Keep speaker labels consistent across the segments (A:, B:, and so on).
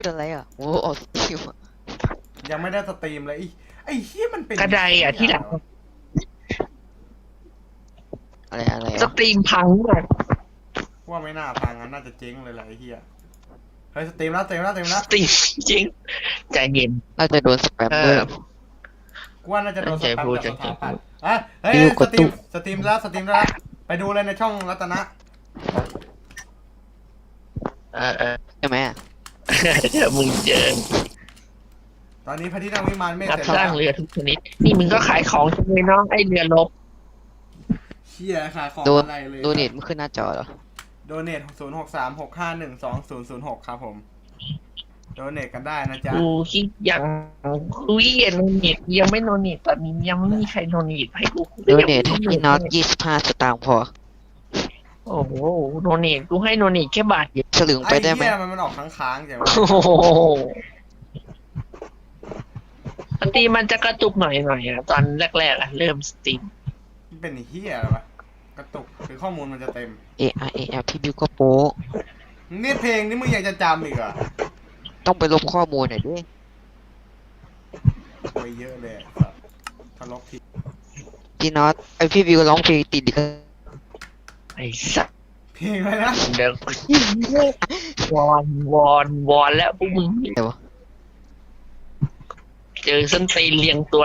A: อะไรอ่ะโอ้ออกสตรีมอะ
B: ยังไม่ได้สตรีมเลยไอ้เฮียมันเป็น
C: กระไดอ่ะที่หลัง
A: อะไร
C: ส
A: อ่ะ
C: ตรีมพังหมด
B: ว่าไม่น่าพังงั้นน่าจะเจ๊งเลยแหละไอ้เฮียเฮ้ยสตรีมแล้ว
C: สตรีมจริงใจเย็น
A: น่าจะโดนสแปมด้วย
B: กูว่าน่าจะโดนสแปมจากสถาปัตย์เฮ้ย
A: ฟิวก
B: ส
A: ด
B: ตรี
A: ตุ๊
B: มสตรีมแล้วไปดูเลยในช่องรัตนะ
A: ใช่ไหมอะ
C: เดี๋ยวมึงเจอ
B: ตอนนี้พระที่นั่งวิมานเมฆ
C: รับ
B: เสร็จ
C: สร้า
B: แล้
C: ง
B: ว
C: เรือทุกชนิดนี่มึงก็ขายของใช่ไหมน้องไอเรือรบ
B: เฮียขายของ
A: โดน
B: อะไรเลย
A: โดเนทมันขึ้นหน้าจอเหรอ
B: โดเนท0636512006ครับผมโดเนทกันได้นะจ๊ะ
C: กูคิดอย่างกูเย็นโนเนตยังไม่โนเนตตอนนี้ยังไม่มีใครโนเนตให้กู
A: โดเนทให้พี่น็อต25 สตางค์พอ
C: โอ้โหโนเนตกูให้โนเนตแค่บาทเดียว
A: ฉลึงไป
B: ไอ้
A: ได้ไหม
B: เฮียมันออกค้างๆอย่างวะ
C: โอ้โหสตรีมมันจะกระตุกหน่อยอ่ะตอนแรกๆอ่ะเริ่มสตรีม
B: มันเป็นเฮียอะไรวะกระตุกหรือข้อมูลมันจะเต็ม
A: ARAL พี่บิวก็โป๊ะ
B: นี่เพลงนี่มึงยังจะจำอีกเหรอ
A: ต้องไปลบข้อมูลหน่อยด้วย
B: ไปเยอะเลยครับทะเลาะผิด
A: พี่น็อตไอพี่บิวร้องเพลงติดดิ
C: ไอ้สัส
B: เพลงอะไรนะ
C: เดี๋ยววอนแล้วพวกมึง
A: อะไรวะ
C: เจอส้นตีนเรียงตัว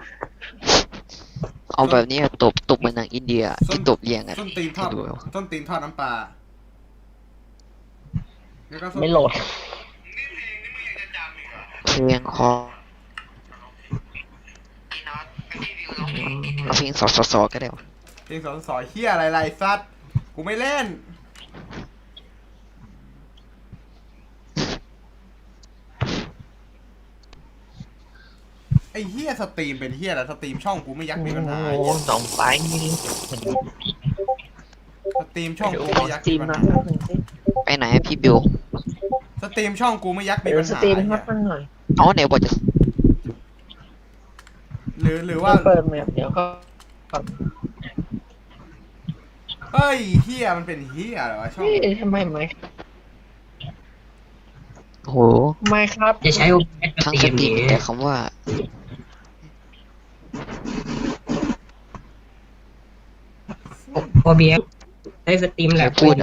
A: เอาแบบนี้อะตบเหมือนหนังอินเดียที่ตบเรียงกัน
B: ส้นตีนทอด
A: ให้ดูเอา
B: ส้นตีนทอดน้ำปลาแล้วก็ส้น
C: ไม่โหลด
A: เพลงคอเอาเพลงสอก็ได้วะ
B: เพลงสอนเฮียอะไรไรซัดกูไม่เล่นไอ้เฮียสตรีมเป็นเฮียอะไรสตรีมช่องกูไม่ยักมีปัญหา
C: โอ้
B: เหี้ย
C: สองไฟนี่
B: สตรีมช่อง
C: เดี๋ยว
B: กู
C: ขอ
B: ไม่ยั
C: ส
B: ก
C: ตรี
B: มี
C: ม
B: ปัญ
C: นะ
B: หา
A: ไปไหนอะพี่บิว
B: สตรีมช่องกูไม่ยักมี
C: เดี๋ยว
B: ปัญ
C: ส
B: หา
C: ตรีม
B: ไอ้
C: ครั
B: เหี้
C: บ
B: ย
C: มันหน่อย
A: เอาไหนบอกจะ
B: หรือว่า
C: เปิดแมปเดี๋ยวก็
B: เฮ้ยเฮียมันเป็นเฮียอะไรวะช่อง
C: เฮ้ยทำไมไม่
A: โห
C: ไม่ครับ
D: จะใช้ OBS
A: ทั้ง
D: ส
A: ส
D: ต
A: ต
D: รี
A: รี
D: ม
A: ม
D: นี้
A: แต่คำว่า
D: OBS ใช้สตรีมแลบ
A: พูดอะ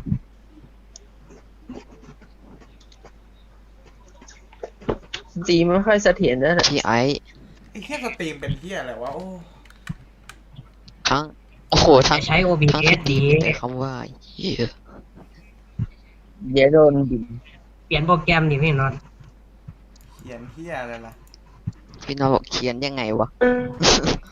C: สตรีมไม่ค่อยเสถียรนะ
A: พี่ไอซ์
B: ไอ้เฮียสตรีมเป็นเฮียอะไรวะโอ้
A: ทั้งโอ้โหทั้
D: จะ
A: ง
D: ใช้
A: ทั้ง
D: OBS
A: สตรี
D: นี้
A: มแต่คำว่าเหี้ย
C: เดี๋ยวโดนบิน
D: เปลี่ยนโปรแกรมดิพี่น็อต
B: เขียนเฮียอะไรล่ะ
A: พี่น้องบอกเขียนยังไงวะ